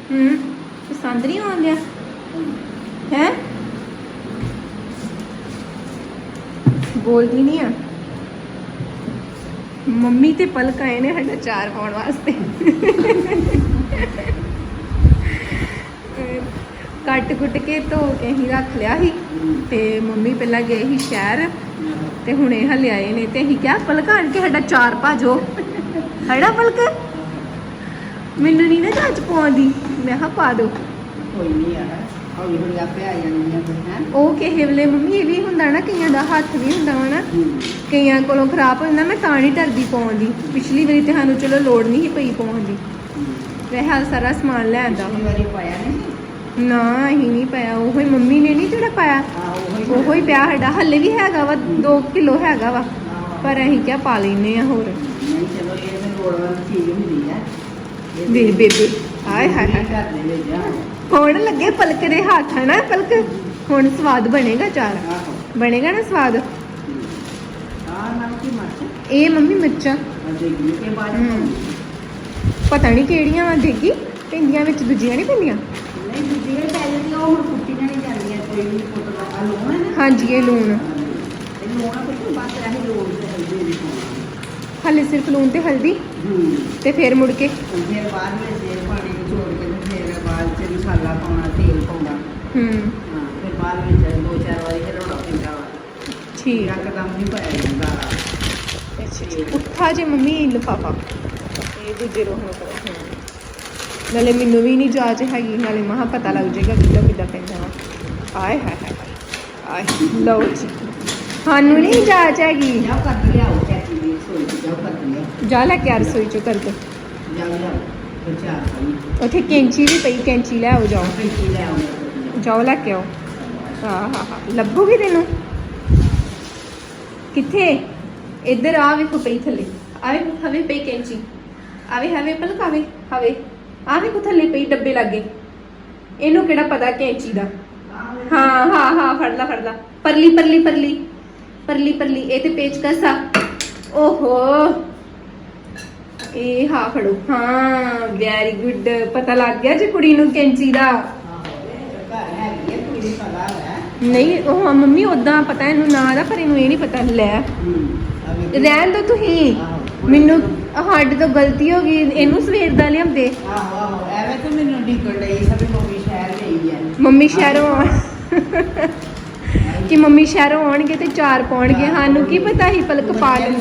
ਪਸੰਦ ਨਹੀਂ ਆਉਂਦਿਆ ਹੈ ਬੋਲਦੀ ਨਹੀਂ ਆ ਮੰਮੀ ਤੇ ਪਲਕ ਆਏ ਨੇ ਸਾਡਾ ਚਾਰ ਪਾਉਣ ਵਾਸਤੇ ਕੱਟ ਕੁੱਟ ਕੇ ਧੋ ਕੇ ਹੀ ਰੱਖ ਲਿਆ ਸੀ ਤੇ ਮੰਮੀ ਪਹਿਲਾਂ ਗਏ ਸੀ ਸ਼ਹਿਰ ਤੇ ਹੁਣੇ ਹਲੇ ਆਏ ਨੇ ਤੇ ਅਸੀਂ ਕਿਹਾ ਪਲਕ ਆਣ ਕੇ ਸਾਡਾ ਚਾਰ ਭਾਜੋ ਹੈੜਾ ਪਲਕ ਮੈਨੂੰ ਨਹੀਂ ਨਾ ਚੱਜ ਪਾਉਂਦੀ ਮੈਂ ਕਿਹਾ ਪਾ ਦੋ ਕੋਈ ਨਹੀਂ ਯਾਰ ਹੌਲੀ ਹੌਲੀ ਆਪੇ ਆ ਜਾਣਗੀਆਂ ਫਿਰ ਹੈ ਉਹ ਕਿਸੇ ਵੇਲੇ ਮੰਮੀ ਇਹ ਵੀ ਹੁੰਦਾ ਨਾ ਕਈਆਂ ਦਾ ਹੱਥ ਵੀ ਹੁੰਦਾ ਵਾ ਨਾ ਕਈਆਂ ਕੋਲੋਂ ਖਰਾਬ ਹੋ ਜਾਂਦਾ ਮੈਂ ਤਾਂ ਨਹੀਂ ਡਰਦੀ ਪਾਉਣ ਦੀ ਪਿਛਲੀ ਵਾਰੀ ਤੇ ਸਾਨੂੰ ਚਲੋ ਲੋੜ ਨਹੀਂ ਸੀ ਪਈ ਪਾਉਣ ਦੀ ਵੈਸੇ ਸਾਰਾ ਸਮਾਨ ਲੈ ਆਂਦਾ ਪਿਛਲੀ ਵਾਰੀ ਪਾਇਆ ਨਹੀਂ ਨਾ ਅਸੀਂ ਨਹੀਂ ਪਾਇਆ ਉਹੀ ਮੰਮੀ ਨੇ ਨਹੀਂ ਜਿਹੜਾ ਪਾਇਆ ਉਹੋ ਹੀ ਪਿਆ ਸਾਡਾ ਹੱਲੇ ਵੀ ਹੈਗਾ ਵਾ 2 ਕਿਲੋ ਹੈਗਾ ਵਾ ਪਰ ਅਸੀਂ ਕਿਆ ਪਾ ਲੈਨੇ ਆ ਹੋਰ ਨਹੀਂ ਚਲੋ ਇਹ ਤਾਂ ਲੋੜ ਵਾਲੀ ਚੀਜ਼ ਹੁੰਦੀ ਹੈ ਵੇ ਬੇਬੇ ਹਾਏ ਹਾਏ ਹਾਏ ਘਰ ਦੇ ਵਿੱਚ ਆ ਹੁਣ ਲੱਗੇ ਪਲਕ ਦੇ ਹੱਥ ਹੈ ਨਾ ਪਲਕ ਹੁਣ ਸਵਾਦ ਬਣੇਗਾ ਚਾਰ ਆਹੋ ਬਣੇਗਾ ਨਾ ਸਵਾਦ ਆ ਨਾਲ ਕੀ ਮਰਚ ਇਹ ਮੰਮੀ ਮਿਰਚਾਂ ਦੇਖੀ ਕੇ ਬਾਅਦ ਪਤਾ ਨਹੀਂ ਕਿਹੜੀਆਂ ਵਾ ਦੇਗੀ ਪੈਂਦੀਆਂ ਵਿੱਚ ਦੂਜੀਆਂ ਨਹੀਂ ਪੈਂਦੀਆਂ ਨਹੀਂ ਦੂਜੀਆਂ ਪਹਿਲੇ ਦੀ ਉਹ ਹੁਣ ਕੁੱਟੀ ਨਹੀਂ ਜਾਂਦੀਆਂ ਕੋਈ ਵੀ ਫੋਟੋ ਦਾ ਆ ਲੂਣ ਹੈ ਨਾ ਹਾਂਜੀ ਇਹ ਲੂਣ ਇਹ ਲੂਣ ਆ ਕੁਝ ਬਾਅਦ ਰਹੀ ਲੂਣ ਤੇ ਹਲਦੀ ਨਹੀਂ ਪਾਉਣਾ ਹਾਲੇ ਸਿਰਫ ਲੂਣ ਤੇ ਹਲਦੀ ਤੇ ਫਿਰ ਮੁੜ ਕੇ ਫਿਰ ਬਾਅਦ ਵਿੱਚ ਇਹ ਪਾਣੀ ਨਿਚੋੜ ਕੇ ਤੇ ਫਿਰ ਬਾਅਦ ਚ ਮਸਾਲਾ ਪਾਉਣਾ ਤੇਲ ਪਾਉਣਾ ਹਾਂ ਫਿਰ ਬਾਅਦ ਵਿੱਚ 2-4 ਵਾਰੀ ਹਿਲਾਉਣਾ ਪੈਂਦਾ ਵਾ ਠੀਕ ਇੱਕਦਮ ਨਹੀਂ ਪਾਇਆ ਜਾਂਦਾ ਉੱਠਾ ਜੇ ਮੰਮੀ ਲਿਫਾਫਾ ਇਹ ਦੂਜੇ ਰੋਹ ਨੂੰ ਕਰੋ ਨਾਲੇ ਮੈਨੂੰ ਵੀ ਨਹੀਂ ਜਾਚ ਹੈਗੀ ਨਾਲੇ ਮਹਾ ਪਤਾ ਲੱਗ ਜਾਏਗਾ ਕਿੱਦਾਂ ਕਿੱਦਾਂ ਪੈਂਦਾ ਵਾ ਆਏ ਹਾਏ ਹਾਏ ਆਏ ਲਓ ਜੀ ਸਾਨੂੰ ਨਹੀਂ ਜਾਚ ਹੈਗੀ ਜਾਓ ਕਰ ਲਿਆਓ ਚਾਚੀ ਦੀ ਸੋਈ ਜਾਓ ਕਰ ਲਿਆਓ ਜਾ ਲੈ ਕੇ ਆ ਰਸੋਈ ਚੋਂ ਕਰਕੇ ਜਾਓ ਲਿਆਓ ਬੱਚਾ ਆਈ ਉੱਥੇ ਕੈਂਚੀ ਵੀ ਪਈ ਕੈਂਚੀ ਲੈ ਆਓ ਜਾਓ ਕੀ ਲੈ ਆਉਂਦਾ ਜਾਓ ਲੈ ਕੇ ਆਓ ਹਾਂ ਲੱਭੂਗੀ ਤੈਨੂੰ ਕਿੱਥੇ ਇੱਧਰ ਆ ਵੇਖੋ ਪਈ ਥੱਲੇ ਆਵੇ ਹਵੇ ਪਈ ਕੈਂਚੀ ਆਵੇ ਹਵੇ ਪਲਕ ਆਵੇ ਹਵੇ ਆਵੇ ਕੋ ਥੱਲੇ ਪਈ ਡੱਬੇ ਲੱਗੇ ਇਹਨੂੰ ਕਿਹੜਾ ਪਤਾ ਕੈਂਚੀ ਦਾ ਹਾਂ ਫੜ ਲਾ ਪਰਲੀ ਪਰਲੀ ਪਰਲੀ ਪਰਲੀ ਪਰਲੀ ਇਹ ਤੇ ਪੇਚਕਸ ਆ ਓਹੋ ਇਹ ਹਾਂ ਫੜੋ ਹਾਂ ਵੈਰੀ ਗੁੱਡ ਪਤਾ ਲੱਗ ਗਿਆ ਜੇ ਕੁੜੀ ਨੂੰ ਕੈਂਚੀ ਦਾ ਨਹੀਂ ਉਹ ਮੰਮੀ ਉਦਾਂ ਪਤਾ ਇਹਨੂੰ ਨਾਂ ਦਾ ਪਰ ਇਹਨੂੰ ਇਹ ਨਹੀਂ ਪਤਾ ਲੈ ਰਹਿਣ ਦੋ ਤੁਸੀਂ ਮੈਨੂੰ ਸਾਡੇ ਤੋਂ ਗਲਤੀ ਹੋ ਗਈ ਇਹਨੂੰ ਸਵੇਰ ਦਾ ਲਿਆਂਦੇ ਆਹੋ ਐਵੇਂ ਤਾਂ ਮੈਨੂੰ ਡਿੱਗਣ ਲਈ ਸਭ ਮੰਮੀ ਸ਼ਹਿਰ ਗਈ ਹੈ ਮੰਮੀ ਸ਼ਹਿਰੋਂ ਕਿ ਮੰਮੀ ਸ਼ਹਿਰੋਂ ਆਉਣਗੇ ਤੇ ਚਾਰ ਪਾਉਣਗੇ ਸਾਨੂੰ ਕੀ ਪਤਾ ਸੀ ਪਲਕ ਪਾ ਲੈਂਦੀ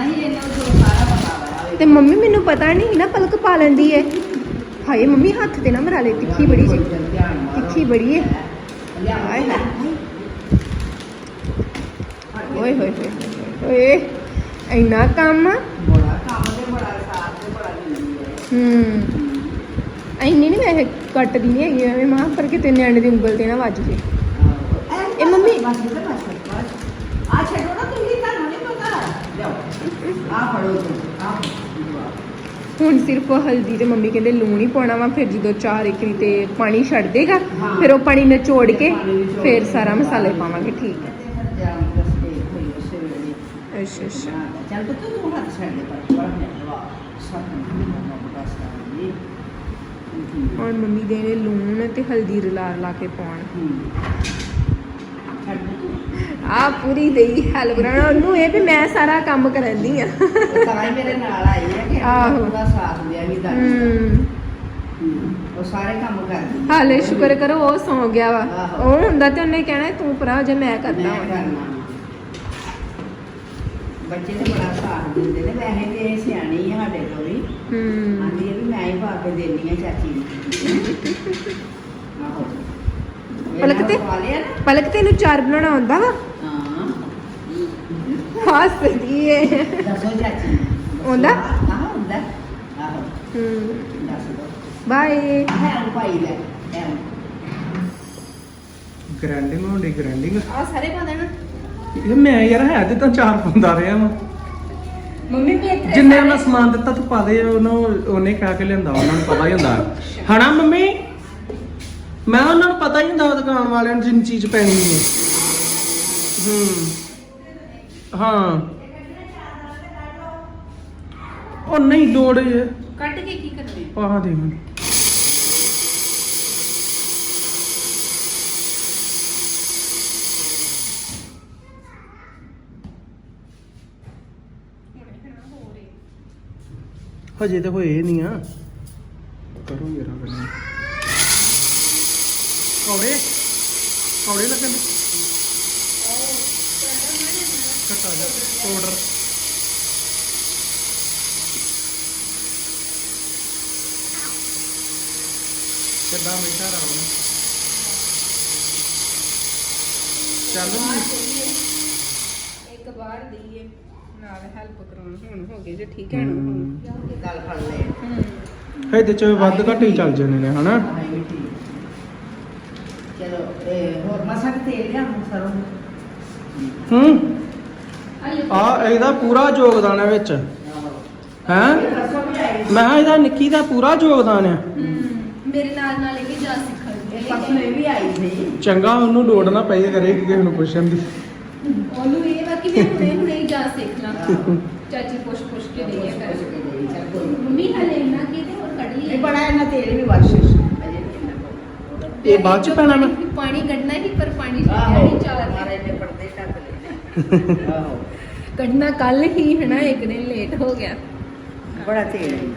ਤੇ ਮੰਮੀ ਮੈਨੂੰ ਪਤਾ ਨਹੀਂ ਨਾ ਪਲਕ ਪਾ ਲੈਂਦੀ ਹੈ ਹਾਏ ਮੰਮੀ ਹੱਥ ਤੇ ਨਾ ਮਰਾ ਲੈ ਤਿੱਖੀ ਬੜੀ ਜੀ ਤਿੱਖੀ ਬੜੀ ਹੈ ਹਾਏ ਹਾਏ ਓਏ ਹੋਏ ਹੋਏ ਓਏ ਇੰਨਾ ਕੰਮ ਬੜਾ ਕੰਮ ਤੇ ਬੜਾ ਸਾਥ ਤੇ ਬੜਾ ਦਿੰਦੀ ਹੈ ਇੰਨੀ ਨਹੀਂ ਵੈਸੇ ਕੱਟਦੀ ਨਹੀਂ ਹੈਗੀ ਐਵੇਂ ਮਾਂ ਪਰ ਕਿਤੇ ਨਿਆਣੇ ਦੀ ਉਂਗਲ ਤੇ ਨਾ ਵੱਜ ਜੇ ਇਹ ਮੰਮੀ ਬਸ ਆ ਛੱਡੋ ਨਾ ਤੁਸੀਂ ਤੁਹਾਨੂੰ ਨਹੀਂ ਪਤਾ ਲਿਆਓ ਆ ਫੜੋ ਤੁਸੀਂ ਆ ਹੁਣ ਸਿਰਫ ਹਲਦੀ ਤੇ ਮੰਮੀ ਕਹਿੰਦੇ ਲੂਣ ਹੀ ਪਾਉਣਾ ਵਾ ਫਿਰ ਜਦੋਂ ਚਾਰ ਇਕਰੀ ਤੇ ਪਾਣੀ ਛੱਡ ਦੇਗਾ ਫਿਰ ਉਹ ਪਾਣੀ ਨਿਚੋੜ ਕੇ ਫਿਰ ਸਾਰਾ ਮਸਾਲੇ ਪਾਵਾਂਗੇ ਠੀਕ ਹੈ ਅੱਛਾ ਅੱਛਾ ਚੱਲ ਤੂੰ ਹੱਥ ਛੱਡ ਦੇ ਪਰ ਬੜਾ ਸਭ ਹੁਣ ਮੰਮੀ ਦੇ ਨੇ ਲੂਣ ਤੇ ਹਲਦੀ ਰਲਾ ਕੇ ਪਾਉਣ ਆ ਪੂਰੀ ਦੇਈ ਹੈਲਪ ਕਰਾਉਣਾ ਉਹਨੂੰ ਇਹ ਵੀ ਮੈਂ ਸਾਰਾ ਕੰਮ ਕਰਾਂਦੀ ਆ ਤਾਂ ਹੀ ਮੇਰੇ ਨਾਲ ਆਈ ਹੈ ਕਿ ਉਹਦਾ ਸਾਥ ਦਿਆ ਵੀ ਦਾ ਉਹ ਸਾਰੇ ਕੰਮ ਕਰਦੀ ਹਾਲੇ ਸ਼ੁਕਰ ਕਰੋ ਉਹ ਸੌਂ ਗਿਆ ਵਾ ਉਹ ਹੁੰਦਾ ਤੇ ਉਹਨੇ ਕਹਿਣਾ ਤੂੰ ਭਰਾ ਜੇ ਮੈਂ ਕਰਦਾ ਬੱਚੇ ਤੇ ਬੜਾ ਸਾਥ ਦਿੰਦੇ ਨੇ ਵੈਸੇ ਤੇ ਇਹ ਸਿਆਣੀ ਹੈ ਸਾਡੇ ਤੋਂ ਵੀ ਆਂਦੀ ਹੈ ਵੀ ਮੈਂ ਹੀ ਪਾ ਕੇ ਦੇਣੀ ਆ ਚਾਚੀ ਨੂੰ ਆਹੋ ਪਲਕ ਤੈਨੂੰ ਚਾਰ ਬਣਾਉਣਾ ਆਉਂਦਾ ਵਾ ਹਾਂ ਹੱਸਦੀ ਏ ਦੱਸੋ ਚਾਚੀ ਆਉਂਦਾ ਆਹ ਹੁੰਦਾ ਆਹੋ ਦੱਸ ਦੋ ਬਾਏ ਹੈ ਭਾਈ ਲੈ ਗ੍ਰੈਂਡਿੰਗ ਹੋਣੀ ਗ੍ਰੈਂਡਿੰਗ ਆ ਸਾਰੇ ਪਾ ਦੇਣਾ ਇਹ ਮੈਂ ਯਾਰ ਹੈ ਤੇ ਤਾਂ ਚਾਰ ਪਾਉਂਦਾ ਰਿਹਾ ਵਾ ਮੰਮੀ ਵੀ ਇੱਥੇ ਜਿੰਨੇ ਮੈਂ ਸਮਾਨ ਦਿੱਤਾ ਤੂੰ ਪਾ ਦੇ ਉਹਨੇ ਕਹਿ ਕੇ ਲਿਆਂਦਾ ਉਹਨਾਂ ਨੂੰ ਪਤਾ ਹੀ ਹੁੰਦਾ ਹਨਾ ਮੰਮੀ ਮੈਂ ਉਹਨਾਂ ਨੂੰ ਪਤਾ ਹੀ ਹੁੰਦਾ ਦੁਕਾਨ ਵਾਲਿਆਂ ਨੂੰ ਜਿੰਨੀ ਚੀਜ਼ ਪੈਣੀ ਹੈ ਹਾਂ ਉਹ ਨਹੀਂ ਲੋੜ ਹੈ ਕੱਟ ਕੇ ਕੀ ਕਰਨੀ ਪਾ ਦੇ ਹਜੇ ਤੇ ਹੋਏ ਨਹੀਂ ਆ ਕਰੋ ਮੇਰਾ ਕਰਨਾ ਕੌੜੇ ਕੌੜੇ ਲੱਗਣ ਘਟਾ ਜਾ ਪਾਊਡਰ ਕਿੱਦਾਂ ਮਿੱਠਾ ਰਾਮ ਚੱਲ ਇੱਕ ਵਾਰ ਦਈਏ ਨਾਲ ਹੈਲਪ ਕਰਾਉਣ ਹੁਣ ਹੋ ਗਏ ਜੇ ਠੀਕ ਹੈ ਨਾ ਹੁਣ ਗੱਲ ਫੜ ਲੈ ਇਹਦੇ ਚ ਵੱਧ ਘੱਟ ਹੀ ਚੱਲ ਜਾਣੇ ਨੇ ਹਨਾ ਚਲੋ ਹੋਰ ਮਸਾ ਕਿ ਤੇਲ ਲਿਆ ਸਰੋਂ ਹੂੰ ਆ ਇਹਦਾ ਪੂਰਾ ਯੋਗਦਾਨ ਹੈ ਵਿੱਚ ਹੈ ਮੈਂ ਕਿਹਾ ਇਹਦਾ ਨਿੱਕੀ ਦਾ ਪੂਰਾ ਯੋਗਦਾਨ ਆ ਮੇਰੇ ਨਾਲ ਇਹ ਵੀ ਜਾ ਸਿੱਖਣ ਪਰਸੋਂ ਇਹ ਵੀ ਆਈ ਸੀ ਚੰਗਾ ਉਹਨੂੰ ਲੋੜ ਨਾ ਪਈ ਕਰੇ ਕਿਸੇ ਨੂੰ ਪੁੱਛਣ ਦੀ ਉਹਨੂੰ ਇਹ ਵਾ ਕਿ ਮੈਂ ਹੁਣੇ ਹੀ ਜਾ ਸਿੱਖ ਲਾਂ ਚਾਚੀ ਪੁੱਛ ਕੇ ਦੇਈਏ ਕਰ ਚੱਲ ਕੋਈ ਨੀ। ਮੰਮੀ ਹਲੇ ਨਾ ਕਿਤੇ ਹੋਰ ਕੱਢ ਲਈ ਇਹ ਬੜਾ ਇਹਨਾਂ ਤੇਲ ਵੀ ਵਾਸ਼ ਅਜੇ ਵੀ ਇੰਨਾ ਪਾਓ। ਇਹ ਬਾਅਦ ਚ ਪੈਣਾ ਮੈਂ ਪਾਣੀ ਕੱਢਣਾ ਹੀ ਪਰ ਪਾਣੀ ਆਹੋ ਨਹੀਂ ਚਾਰ ਮਾਰੇ ਨੇ ਪਰਦੇ ਢੱਕ ਲੈਣੇ ਆਹੋ ਕੱਢਣਾ ਕੱਲ ਹੀ ਹੈ ਨਾ ਇੱਕ ਦਿਨ ਲੇਟ ਹੋ ਗਿਆ ਬੜਾ ਤੇਲ ਹੈ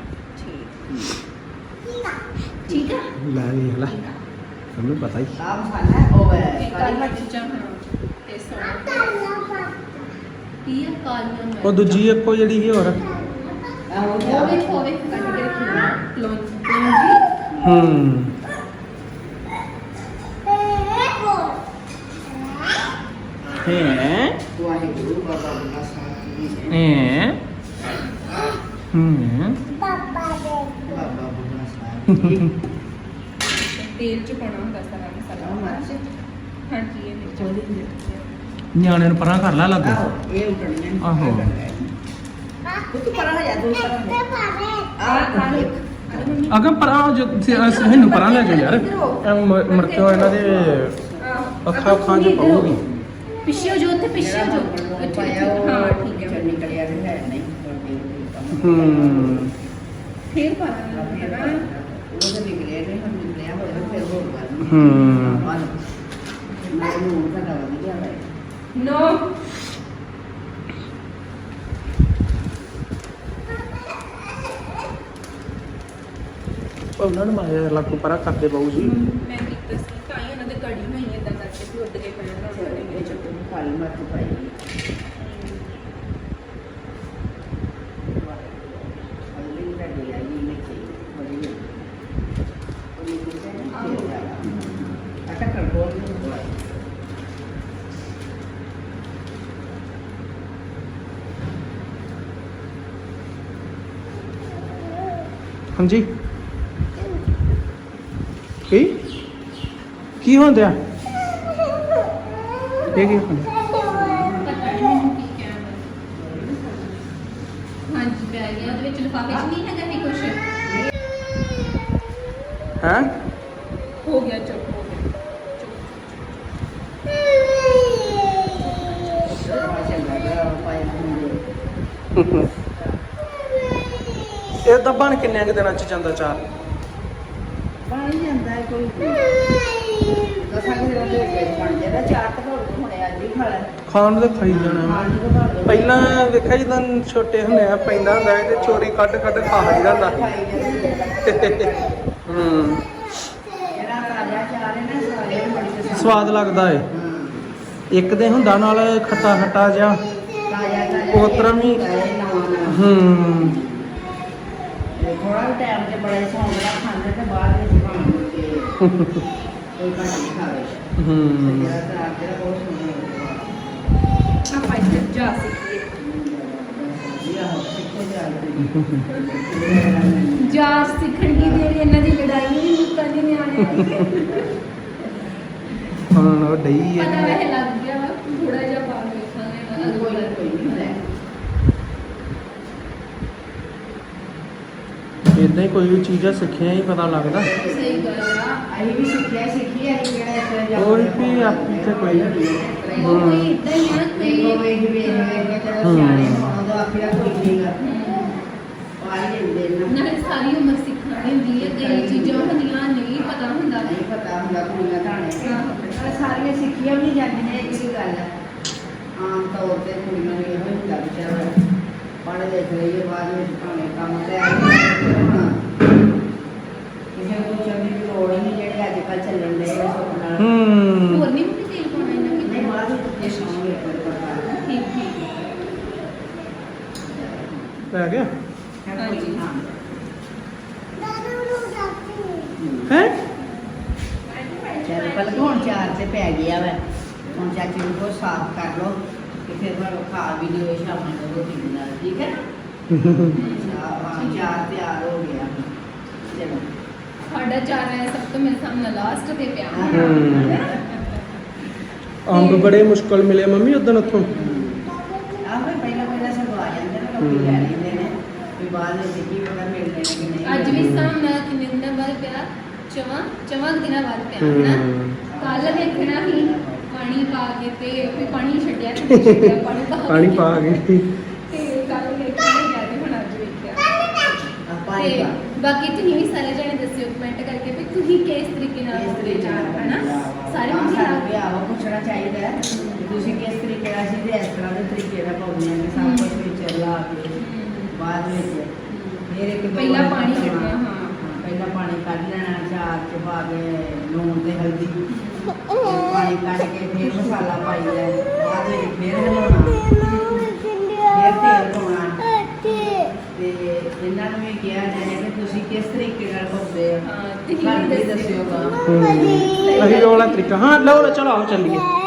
ਠੀਕ ਆ ਲੈ ਵੇਖ ਲੈ ਤੁਹਾਨੂੰ ਪਤਾ ਹੀ ਆਹ ਮਸਾਲਾ ਹੈ, ਉਹ ਹੈ ਇਹ ਕਾਲੀ ਮਿਰਚਾਂ ਹਾਂ ਤੇ ਸੌਂਫ ਕੀ ਆ ਕਾਲੀਆਂ ਮਿਰਚਾਂ ਉਹ ਦੂਜੀ ਇੱਕੋ ਜਿਹੜੀ ਸੀ ਹੋਰ ਆਹੋ ਉਹ ਵੇਖੋ ਵੇਖ ਕੱਢ ਕੇ ਕਲੋਂਜੀ ਹੂੰ ਹੈ ਵਾਹਿਗੁਰੂ ਬਾਬਾ ਬੁੱਢਾ ਸਾਹਿਬ ਜੀ ਹੈ ਹੂੰ ਬਾਬਾ ਬੁੱਢਾ ਸਾਹਿਬ ਜੀ ਤੇਲ ਚ ਪਾਉਣਾ ਹੁੰਦਾ ਸਾਰਾ ਮਸਾਲਾ ਹਾਂਜੀ ਇਹ ਮਿਰਚਾਂ ਨਿਆਣੇ ਨੂੰ ਪਰਾਂ ਕਰ ਲਾ ਲੱਗ ਆਹੋ ਇਹ ਉਟਣੀਆਂ ਨੇ। ਆਹੋ। ਤੂੰ ਪਰਾਂ ਹੋ ਜਾ ਤੂੰ ਪਰਾਂ ਹੋ ਜਾ ਆਹ ਦੇਖ ਅਗਮ ਪਰਾਂ ਜੋ ਇਹਨੂੰ ਪਰਾਂ ਲੈ ਜਾਓ ਯਾਰ ਮੁੜ ਕੇ ਉਹ ਇਹਨਾਂ ਦੇ ਅੱਖਾਂ ਚ ਪਾਉਗੀ ਪਿੱਛੇ ਜੋ ਉੱਥੇ ਪਿੱਛੇ ਜੋ ਪਾਇਆ ਉਹ ਹਾਂ ਠੀਕ ਹੈ ਚੰਨੀ ਕੜਿਆ ਤੇ ਹੈ ਨਹੀਂ ਹੂੰ ਫੇਰ ਪਾਣਾ ਉਹ ਤਾਂ ਨਿਕਲਿਆ ਨਹੀਂ ਹੁਣ ਨਿਕਲਿਆ ਹੋਇਆ ਫਿਰ ਹੋਰ ਗੱਲ ਹੂੰ ਮੈਂ ਨੂੰ ਘਟਾ ਵਧੀਆ ਹੈ ਨੋ ਉਹਨਾਂ ਨੂੰ ਮਾਇਆ ਲਾਕੂ ਪਰਾਂ ਕਰਦੇ ਬਾਊ ਜੀ ਮੈਂ ਕੀਤਾ ਸੀ ਤਾਂ ਹੀ ਉਹਨਾਂ ਦੇ ਕੜੀ ਹੋਈ ਇਦਾਂ ਕਰਕੇ ਕਿ ਉੱਡ ਕੇ ਪੈਣਾ ਇਹ ਚੱਕਰ ਨੂੰ ਕਾਲੀ ਮਿਰਚ ਪਾਈ ਹਲਦੀ ਦਾ ਡਿਆ ਜੀ ਨੇ ਕੀ ਬੜੀ ਉਹ ਇਹ ਕਿਹਦਾ ਆਟਾ ਕਰ ਬੋਲ ਨੂੰ ਹਾਂਜੀ ਕੀ ਹੁੰਦਾ ਇਹ ਕੀ ਹੁੰਦਾ ਪਤਾ ਨਹੀਂ ਮੈਨੂੰ ਕੀ ਕਹਿਣਾ ਹਾਂਜੀ ਪੈ ਗਿਆ ਉਹਦੇ ਵਿੱਚ ਲਿਫਾਫੇ 'ਚ ਨਹੀਂ ਹੈਗਾ ਵੀ ਕੁਛ ਹੈ ਹੋ ਗਿਆ ਚੁੱਪ ਹੋ ਗਿਆ ਇਹ ਤਾਂ ਬਣ ਕਿੰਨੇ ਕੁ ਦਿਨਾਂ ਚ ਜਾਂਦਾ ਚਾਰ ਬਣ ਜਾਂਦਾ ਹੈ ਕੋਈ ਦਸਾਂ ਕਿ ਦਿਨਾਂ ਦੇ ਵਿੱਚ ਬਣ ਜਾਂਦਾ ਚਾਰ ਤਾਂ ਹੁਣੇ ਅੱਜ ਹੀ ਖਾ ਲੈ ਖਾਣ ਨੂੰ ਤਾਂ ਖਾਈ ਜਾਣਾ ਖਾਣ ਨੂੰ ਤਾਂ ਬਣ ਪਹਿਲਾਂ ਵੇਖਿਆ ਜਦੋਂ ਛੋਟੇ ਹੁੰਦੇ ਆ ਪੈਂਦਾ ਹੁੰਦਾ ਸੀ ਤੇ ਚੋਰੀ ਕੱਢ ਕੱਢ ਖਾ ਲਈਦਾ ਹੁੰਦਾ ਸੀ ਹੂੰ ਜਿਹੜਾ ਤਾਜ਼ਾ ਚਾਰ ਹੈ ਨਾ ਸਾਰੇ ਨੂੰ ਬੜੀ ਪਸੰਦ ਸਵਾਦ ਲੱਗਦਾ ਏ ਇੱਕ ਦੇ ਹੁੰਦਾ ਨਾਲ ਖੱਟਾ ਖੱਟਾ ਜਿਹਾ ਤਾਜ਼ਾ ਉਸ ਤਰ੍ਹਾਂ ਵੀ ਨਵਾਂ ਹੂੰ ਥੋੜਾ ਟਾਈਮ ਤੇ ਬੜੇ ਸੌਂਗ ਨਾਲ ਖਾਂਦੇ ਤੇ ਬਾਅਦ ਵਿੱਚ ਖਾਣ ਕੇ ਕੋਈ ਭਾਜੀ ਖਾਵੇ ਹੂੰ ਜਿਹੜਾ ਤਾਂ ਜਿਹੜਾ ਬਹੁਤ ਸੁਣਦਾ ਆਪਾਂ ਇੱਥੇ ਜਾ ਸਕੀਏ ਜਾ ਸਿੱਖਣ ਦੀ ਦੇਰ ਇਹਨਾਂ ਦੀ ਲੜਾਈ ਨਹੀਂ ਮੁੱਕਦੀ ਨਿਆਣੇ ਹੁਣ ਉਹ ਡਈ ਪਤਾ ਹੈ ਵੈਸੇ ਲੱਗ ਗਿਆ ਵਾ ਥੋੜਾ ਜਿਹਾ ਪਾ ਕੇ ਵੇਖਾਂਗੇ ਕੋਈ ਨਹੀਂ ਹੁੰਦਾ ਇਦਾਂ ਹੀ ਕੋਈ ਵੀ ਚੀਜ਼ਾਂ ਸਿੱਖਿਆ ਹੀ ਪਤਾ ਲੱਗਦਾ ਸਹੀ ਗੱਲ ਆ ਅਸੀਂ ਵੀ ਸਿੱਖਿਆ ਸਿੱਖੀ ਹੈ ਜਿਹੜਾ ਹੋਰ ਵੀ ਆਪੀ ਤੇ ਕੋਈ ਉਹ ਕੋਈ ਇਦਾਂ ਹੀ ਆ ਦੇਖੋ ਕੋਈ ਵੇਖ ਵੇਖ ਕੇ ਤੇ ਸਿਆਣੇ ਹੋਣ ਦਾ ਆਖਿਆ ਕੋਈ ਨਹੀਂਗਾ ਪਾਈ ਦੇ ਨਾ ਨਾਲੇ ਸਾਰੀ ਉਮਰ ਸਿੱਖਣਾ ਹੁੰਦੀ ਹੈ ਕਈ ਚੀਜ਼ਾਂ ਹੁੰਦੀਆਂ ਨਹੀਂ ਪਤਾ ਹੁੰਦਾ ਨਹੀਂ ਪਤਾ ਹੁੰਦਾ ਕੁੜੀਆਂ ਧਾਣੇ ਪਰ ਸਾਰੀਆਂ ਸਿੱਖੀਆਂ ਵੀ ਨਹੀਂ ਜਾਂਦੀਆਂ ਇਹ ਕਿਹੜੀ ਗੱਲ ਹੈ ਆਮ ਤੌਰ ਤੇ ਕੁੜੀਆਂ ਨੂੰ ਇਹੋ ਹੁੰਦਾ ਵਿਚਾਰਾ ਪੜ੍ਹ ਲਿਖ ਲਈਏ ਬਾਅਦ ਵਿੱਚ ਭਾਵੇਂ ਕੰਮ ਤੇ ਕਿਸੇ ਨੂੰ ਚੰਗੀ ਦੀ ਲੋੜ ਹੀ ਨਹੀਂ ਜਿਹੜੇ ਅੱਜ ਕੱਲ੍ਹ ਚੱਲਣ ਦੇ ਸੁੱਖ ਨਾਲ ਹੋਰ ਨਹੀਂ ਮੁੰਡੇ ਤੇਲ ਪਾਉਣਾ ਇਹਨਾਂ ਨਹੀਂ ਕਿਤੇ ਬਾਅਦ ਵਿੱਚ ਜੇ ਸੌਂਗੇ ਕੋਈ ਪ੍ਰਕਾਰ ਠੀਕ ਠੀਕ ਪੈ ਗਿਆ ਹਾਂਜੀ ਹਾਂ ਹੈ ਚੱਲ ਪਲਕ ਹੁਣ ਚਾਰ ਤੇ ਪੈ ਗਿਆ ਵਾ ਹੁਣ ਚਾਚੀ ਨੂੰ ਕੋ ਸਾਫ਼ ਕਰ ਲਓ ਤੇ ਫਿਰ ਤੁਹਾਨੂੰ ਖਾ ਵੀ ਲਿਓ ਸ਼ਾਮਾਂ ਨੂੰ ਰੋਟੀ ਦੇ ਨਾਲ ਠੀਕ ਹੈ ਚਾਰ ਤਿਆਰ ਹੋ ਗਿਆ ਚਲੋ ਸਾਡਾ ਚਾਰ ਹੈ ਸਭ ਤੋਂ ਮੇਰੇ ਸਾਹਮਣੇ ਲਾਸਟ ਤੇ ਪਿਆ ਅੰਬ ਬੜੇ ਮੁਸ਼ਕਲ ਮਿਲੇ ਮੰਮੀ ਉਦੋਂ ਉੱਥੋਂ ਆਹੋ ਪਹਿਲਾਂ ਸਗਵਾ ਜਾਂਦੇ ਨੇ ਲੋਕੀ ਲੈ ਲੈਂਦੇ ਨੇ ਵੀ ਬਾਅਦ ਵਿੱਚ ਕੀ ਪਤਾ ਮਿਲਦੇ ਨੇ ਕਿ ਨਹੀਂ ਅੱਜ ਵੀ ਸਾਹਮਣੇ ਕਿੰਨੇ ਦਿਨਾਂ ਬਾਅਦ ਪਿਆ ਚਵਾਂ ਦਿਨਾਂ ਬਾਅਦ ਪਿਆ ਹਨਾ ਕੱਲ ਵੇਖਣਾ ਹੀ ਪਾਣੀ ਪਾ ਕੇ ਤੇ ਫਿਰ ਪਾਣੀ ਛੱਡਿਆ ਤੇ ਛੱਡਿਆ ਪਾਣੀ ਪਾ ਕੇ ਤੇ ਕੱਲ ਵੇਖਣਾ ਹੀ ਗਿਆ ਤੇ ਹੁਣ ਅੱਜ ਵੇਖਿਆ ਆਪਾਂ ਤੇ ਬਾਕੀ ਤੁਸੀਂ ਵੀ ਸਾਰੇ ਜਣੇ ਦੱਸਿਓ ਕਮੈਂਟ ਕਰਕੇ ਵੀ ਤੁਸੀਂ ਕਿਸ ਤਰੀਕੇ ਨਾਲ ਪਾਉਂਦੇ ਚਾਰ ਹਨਾ ਸਾਰੇ ਹਾਂ ਮੁੰਡੇ ਸਾਨੂੰ ਵੀ ਆਵਾ ਪੁੱਛਣਾ ਚਾਹੀਦਾ ਹੈ ਕਿ ਤੁਸੀਂ ਕਿਸ ਤਰੀਕੇ ਨਾਲ ਅਸੀਂ ਤੇ ਇਸ ਤਰ੍ਹਾਂ ਦੇ ਤਰੀਕੇ ਨਾਲ ਪਾਉਂਦੇ ਹਾਂ ਕਿ ਸਭ ਕੁਝ ਵਿੱਚ ਲਾ ਕੇ ਬਾਅਦ ਵਿੱਚ ਫਿਰ ਇੱਕ ਦੋ ਪਹਿਲਾਂ ਵਾਰ ਪਾਣੀ ਕੱਢਣਾ। ਕੱਢਣਾ, ਹਾਂ। ਪਹਿਲਾਂ ਪਾਣੀ ਕੱਢ ਲੈਣਾ ਚਾਰ ਚ ਪਾ ਕੇ ਲੂਣ ਤੇ ਹਲਦੀ ਪਾਣੀ ਕੱਢ ਕੇ ਫਿਰ ਮਸਾਲਾ ਪਾਈ ਲੈ ਬਾਅਦ ਵਿੱਚ ਫਿਰ ਹਿਲਾਉਣਾ ਫਿਰ ਤੇਲ ਪਾਉਣਾ ਤੇ ਇਹਨਾਂ ਨੂੰ ਵੀ ਕਿਹਾ ਜਾਏ ਕਿ ਤੁਸੀਂ ਕਿਸ ਤਰੀਕੇ ਨਾਲ ਪਾਉਂਦੇ ਹੋ ਹਾਂ, ਤੁਸੀਂ ਸਾਨੂੰ ਵੀ ਦੱਸਿਓ। ਦੱਸਿਓਗਾ ਅਸੀਂ ਉਹ ਵਾਲਾ ਤਰੀਕਾ ਹਾਂ ਲਓ ਚਲੋ ਆਓ ਚੱਲੀਏ